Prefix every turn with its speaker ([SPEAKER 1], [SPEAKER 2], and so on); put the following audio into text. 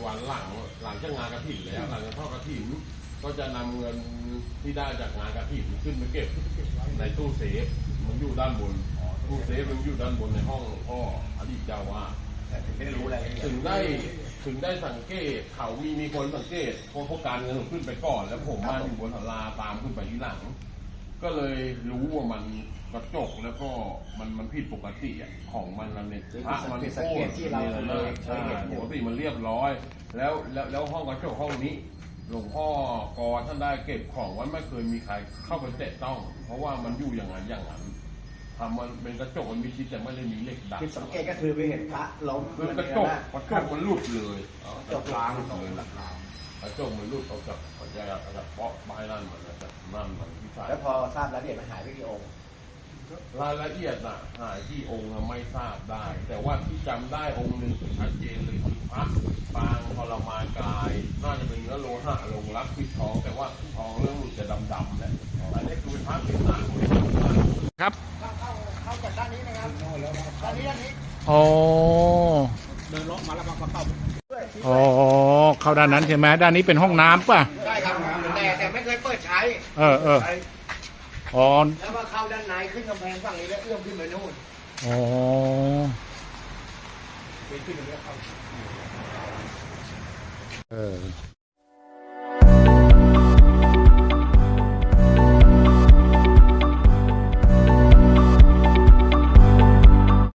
[SPEAKER 1] วันหลังจากงานกฐินแล้วหลังจากทอดกฐินก็จะนำเงินที่ได้จากงานกฐินขึ้นไปเก็บในตู้เซฟมันอยู่ด้านบนตู้เซฟมันอยู่ด้านบนในห้องพ่ออดีตเจ้าวาด
[SPEAKER 2] ไม่รู้อะไร
[SPEAKER 1] ถึงได้สังเกตเขามีคนสังเกตเพราะการเงินขึ้นไปก่อนแล้วผมมาอยู่บนศาลาตามขึ้นไปที่หลังก็เลยรู้ว่ามันกระจกแล้วก็มันผิดปกติของมันเนี่ยพระมันโค้งเลยใช่ปกติมันเรียบร้อยแล้วห้องกระจกห้องนี้หลวงพ่อกอท่านได้เก็บของไว้ไม่เคยมีใครเข้าไปแตะต้องเพราะว่ามันอยู่อย่างนั้นทำมันเป็นกระจกมันมีชิดแต่ไม่ได้มีเหล็กดัด
[SPEAKER 2] สังเกตก็คือไปเห็นพระล้ม
[SPEAKER 1] คือกระจกมันหลุดเลย
[SPEAKER 2] กระจกล้าง
[SPEAKER 1] เลยกระจกมันหลุดออกจากเปาะไม้นั่นมันที่ใส่
[SPEAKER 2] แล้วพอทราบรายละเอียดมันหายไปกี่องค์
[SPEAKER 1] รายละเอียดน่ะหายที่องค์ไม่ทราบได้แต่ว่าที่จำได้องค์หนึ่งชัดเจนเลยคือพระปางทรมานกายน่าจะเป็นเนื้อโลหะลงรักปิดทองแต่ว่าทองเรื่องหลุดจะดำๆแหละอันนี้คือเป็นพระเป็นหนา
[SPEAKER 3] ครับ
[SPEAKER 2] เข้าจากด้านนี้นะครับด้านนี้
[SPEAKER 3] อ๋อ
[SPEAKER 2] เดินล้อมาแล้วมาเข้า
[SPEAKER 3] อ๋อเข้าด้านนั้นใช่ไหมด้านนี้เป็นห้องน้ำป่ะ
[SPEAKER 2] ใช่ครับแต่ไม่เคยเปิดใช้
[SPEAKER 3] อ๋อ
[SPEAKER 2] แล้วมาเข้าด้านในขึ้นกำแพงฝั่งนี้แล้วเอื้อมขึ้นไปนู่น
[SPEAKER 3] อ๋อ
[SPEAKER 2] ไปขึ้นตรงนี้เข้า